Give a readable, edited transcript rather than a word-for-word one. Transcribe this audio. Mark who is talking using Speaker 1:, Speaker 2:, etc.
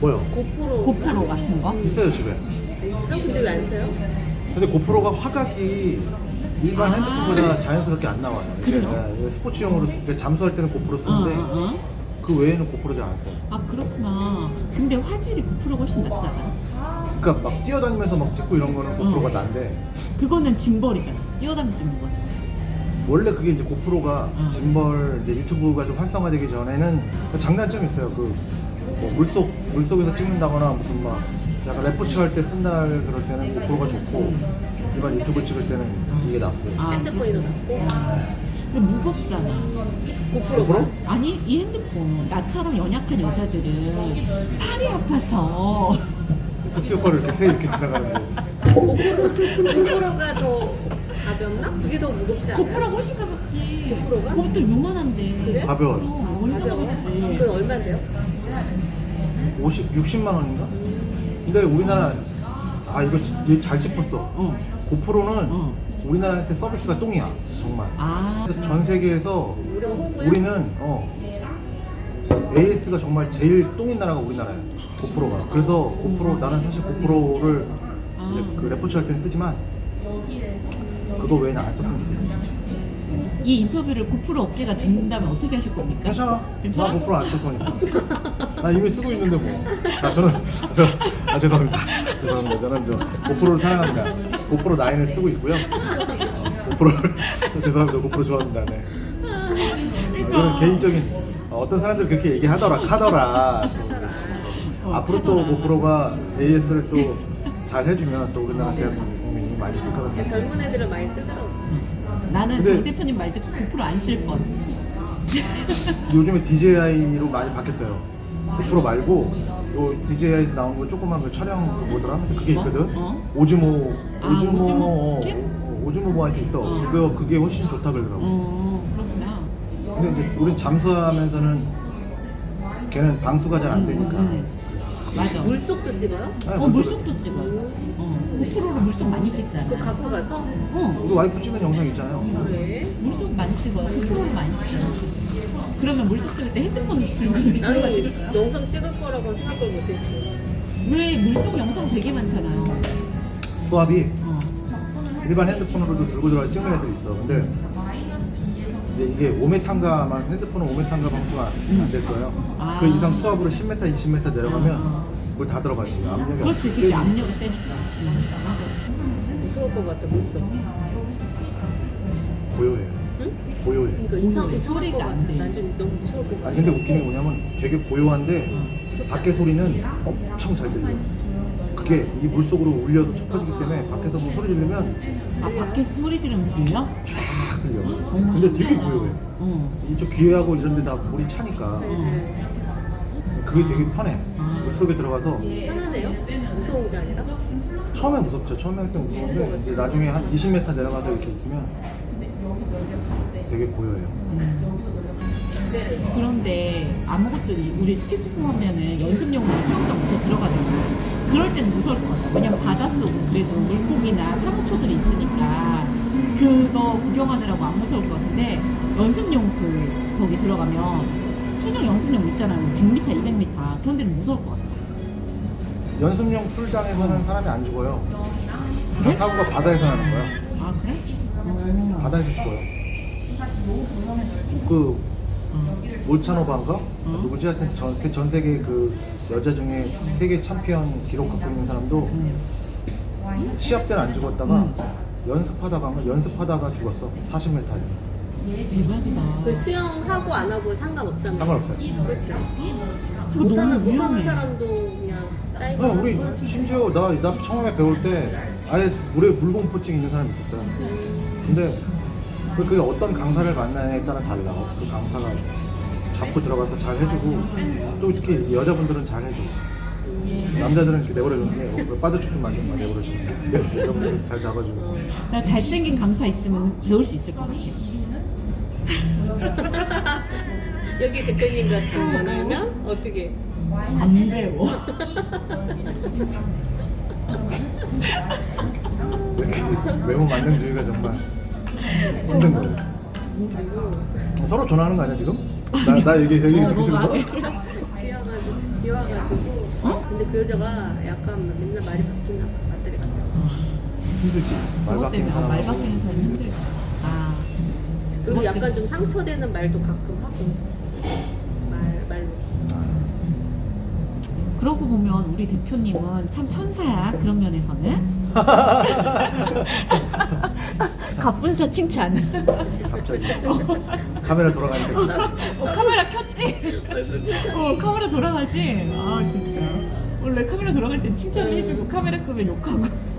Speaker 1: 뭐요?
Speaker 2: 고프로 같은 거?
Speaker 1: 있어요 집에.
Speaker 3: 있어? 근데 왜 안 써요?
Speaker 1: 근데 고프로가 화각이 일반 핸드폰보다 자연스럽게 안 나와요. 이게
Speaker 2: 그래요?
Speaker 1: 스포츠용으로 잠수할 때는 고프로 쓰는데 그 외에는 고프로 잘 안 써요.
Speaker 2: 아 그렇구나. 근데 화질이 고프로가 훨씬 낫지 않아요?
Speaker 1: 그러니까 막 뛰어다니면서 막 찍고 이런 거는 고프로가 난데
Speaker 2: 그거는 짐벌이잖아. 뛰어다니면서 찍는 거.
Speaker 1: 원래 그게 이제 고프로가 짐벌 이제 유튜브가 좀 활성화되기 전에는 장단점이 있어요. 뭐 물속에서 찍는다거나 무슨 막 약간 레포츠 할 때 쓴다 그럴 때는 고프로가 좋고 일반 유튜브 찍을 때는 이게 낫고.
Speaker 3: 핸드폰이 더 낫고.
Speaker 2: 근데 무겁잖아.
Speaker 3: 고프로가?
Speaker 2: 아니 이 핸드폰 나처럼 연약한 여자들은 팔이 아파서
Speaker 1: 특수 효과를 이렇게 지나가는 거.
Speaker 3: 고프로가 더 가볍나? 그게 더 무겁지 않아요?
Speaker 2: 고프로가 훨씬 가볍지.
Speaker 3: 고프로가?
Speaker 2: 그것도 요만한데.
Speaker 3: 그래?
Speaker 1: 가벼워요.
Speaker 2: 완전
Speaker 3: 가벼워?
Speaker 2: 가볍지.
Speaker 3: 그건 얼마인데요?
Speaker 1: 60만 원인가? 근데 우리나라 이거 잘 짚었어. 고프로는 우리나라한테 서비스가 똥이야 정말. 그래서 전 세계에서
Speaker 3: 우리가 호구야?
Speaker 1: 우리는 AS가 정말 제일 똥인 나라가 우리나라야. 고프로가. 그래서 고프로 나는 사실 고프로를 이제 그 레포츠 할 땐 쓰지만 그거 외에는 안 썼으면 좋겠어.
Speaker 2: 이 인터뷰를 고프로 업계가 듣는다면 어떻게 하실 겁니까?
Speaker 1: 괜찮아.
Speaker 2: 괜찮아?
Speaker 1: 나 고프로 안 쓸 거니까. 나 이미 쓰고 있는데 뭐. 죄송합니다. 죄송합니다. 저는 고프로를 사랑합니다. 고프로 9을 쓰고 있고요. 고프로를 죄송합니다. 고프로 좋아합니다. 네. 이거는 개인적인 어떤 사람들 그렇게 얘기하더라. 앞으로 또 고프로가 AS를 또 잘 해주면 또 우리나라 대한민국이 많이 쓸 것 같아요.
Speaker 3: 젊은 애들은 많이 쓰더라고.
Speaker 2: 나는
Speaker 1: 근데-
Speaker 2: 정 대표님 말 듣고 고프로 안 쓸 뻔.
Speaker 1: 요즘에 DJI로 많이 바뀌었어요. 고프로 말고 요 DJI에서 나온 거 조그만 그 촬영 뭐더라? 그게 있거든. 오즈모 오즈모 뭐한테 있어. 그게 훨씬 좋다 그러더라고.
Speaker 2: 그렇구나.
Speaker 1: 근데 이제 우린 잠수하면서는 걔는 방수가 잘 안 되니까.
Speaker 2: 맞아.
Speaker 3: 물속도 찍어요?
Speaker 1: 아니,
Speaker 2: 물속도 찍어요. 고프로로 물속 많이 찍잖아.
Speaker 3: 그거 갖고 가서?
Speaker 1: 우리 와이프 찍은 영상 있잖아요.
Speaker 3: 그래?
Speaker 2: 물속 많이 찍어요. 고프로로 많이 찍잖아. 그러면 물속 찍을 때 핸드폰 들고 이렇게 들어가 찍을 거야?
Speaker 3: 나는 영상 찍을 거라고 생각을 못했지.
Speaker 2: 왜 물속 영상 되게 많잖아요.
Speaker 1: 수압이 일반 핸드폰으로도 들고 들어가 찍는 애들이 있어. 근데 이제 이게 5m인가만 핸드폰은 5m인가 방수가 안 될 거예요. 그 이상 수압으로 10m, 20m 내려가면 그걸 다 들어가지. 압력이
Speaker 2: 그렇지. 압력이 세니까. 맞아.
Speaker 3: 무서울 것 같아, 물속.
Speaker 1: 고요해.
Speaker 3: 응?
Speaker 1: 고요해.
Speaker 3: 그러니까 이상할 것
Speaker 2: 소리가
Speaker 3: 같아.
Speaker 2: 안 돼.
Speaker 3: 난 좀 너무 무서울 것 같아.
Speaker 1: 아니 근데 웃긴 게 뭐냐면 되게 고요한데 밖에 소리는 엄청 잘 들려. 그게 이 물속으로 울려서 좁혀지기 때문에 밖에서 뭐 소리 지르면
Speaker 2: 밖에서 소리 지르면 들려?
Speaker 1: 쫙 들려. 근데 되게 고요해. 이쪽 귀하고 이런 데 다 물이 차니까 그게 되게 편해. 물속에 들어가서
Speaker 3: 편하네요? 무서운 게 아니라?
Speaker 1: 처음에 무섭죠. 처음에 할 때 무서운데 이제 나중에 한 20m 내려가서 이렇게 있으면 되게 고요해요.
Speaker 2: 그런데 아무것도 우리 스케치북 하면은 연습용으로 수영장부터 들어가잖아. 그럴 때는 무서울 것 같아. 왜냐면 바닷속 그래도 물고기나 사무초들이 있으니까 그거 구경하느라고 안 무서울 것 같은데 연습용 거기 들어가면 수중 연습용 있잖아요. 100m, 200m 그런 데는 무서울 것 같아.
Speaker 1: 연습용 풀장에서는 사람이 안 죽어요.
Speaker 2: 그래?
Speaker 1: 사고가 바다에서 나는 거야.
Speaker 2: 아 그래?
Speaker 1: 바다에서 죽어요. 그 몰차노바인가? 누구지? 하여튼 전 세계 그 여자 중에 세계 챔피언 기록 갖고 있는 사람도 시합 때는 안 죽었다가 연습하다가 죽었어. 40m에서.
Speaker 2: 대박이다.
Speaker 3: 그 수영하고 안 하고 상관없다면?
Speaker 1: 상관없어요.
Speaker 3: 그치?
Speaker 2: 그거 너무
Speaker 3: 못하는
Speaker 2: 위험해.
Speaker 3: 사람도 그냥 다이빙.
Speaker 1: 우리 심지어 나 처음에 배울 때 아예 물에 물공포증 있는 사람이 있었어요. 근데 그게 어떤 강사를 만나냐에 따라 달라. 그 강사가 잡고 들어가서 잘 해주고 또 특히 여자분들은 잘 해줘. 남자들은 이렇게 내버려주는 게 빠져 죽든 말든 막 내버려주는 여자분들 잘 잡아주고.
Speaker 2: 나 잘생긴 강사 있으면 배울 수 있을 것 같아.
Speaker 3: 여기 대표님 같은 거는 어떻게?
Speaker 2: 안 배워.
Speaker 1: 이렇게 외모 만능주의가 정말 힘든 거예요. 서로 전화하는 거 아니야 지금? 나 얘기 듣기 싫은 거야?
Speaker 3: 비와가지고. 근데 그 여자가 약간 맨날 말이 바뀌나 봐. 맞들이 같아.
Speaker 1: 힘들지. 말
Speaker 2: 그것
Speaker 1: 바뀌는
Speaker 2: 때문에 말
Speaker 1: 사람하고.
Speaker 2: 바뀌는 사람 힘들다. 아.
Speaker 3: 그리고
Speaker 2: 그것
Speaker 3: 약간
Speaker 2: 때문에.
Speaker 3: 좀 상처되는 말도 가끔 하고. 말로.
Speaker 2: 그러고 보면 우리 대표님은 참 천사야. 그런 면에서는. 갑분사 칭찬.
Speaker 1: 갑자기 카메라 돌아가니까
Speaker 2: 카메라 켰지?
Speaker 3: 얼굴 표정이.
Speaker 2: 카메라 돌아가지? 아 진짜 원래 카메라 돌아갈 땐 칭찬을 해주고 카메라 끄면 욕하고